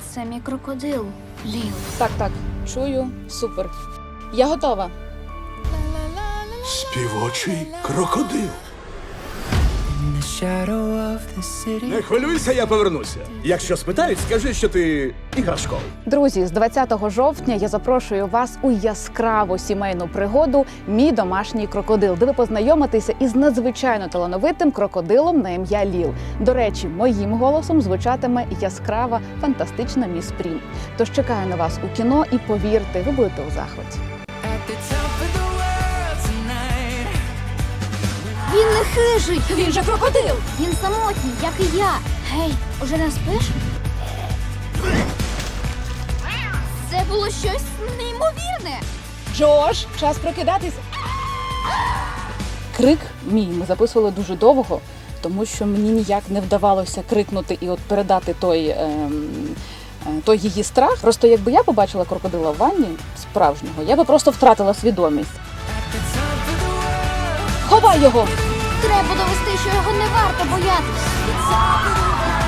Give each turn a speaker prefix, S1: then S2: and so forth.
S1: Це мій крокодил, Ліл.
S2: Так, чую, супер. Я готова.
S3: Співочий крокодил. Не хвилюйся, я повернуся. Якщо спитають, скажи, що ти іграшковий.
S2: Друзі, з 20 жовтня я запрошую вас у яскраву сімейну пригоду «Мій домашній крокодил», де ви познайомитеся із надзвичайно талановитим крокодилом на ім'я Ліл. До речі, моїм голосом звучатиме яскрава, фантастична міс Прім. Тож чекаю на вас у кіно і повірте, ви будете у захваті.
S1: Він не хижий!
S2: Він же крокодил!
S1: Він самотній, як і я. Гей, уже не спиш? Це було щось неймовірне.
S2: Джош, час прокидатись. Крик мій ми записували дуже довго, тому що мені ніяк не вдавалося крикнути і от передати той її страх. Просто якби я побачила крокодила в ванні справжнього, я би просто втратила свідомість. Ховай його!
S1: Треба довести, що його не варто боятись.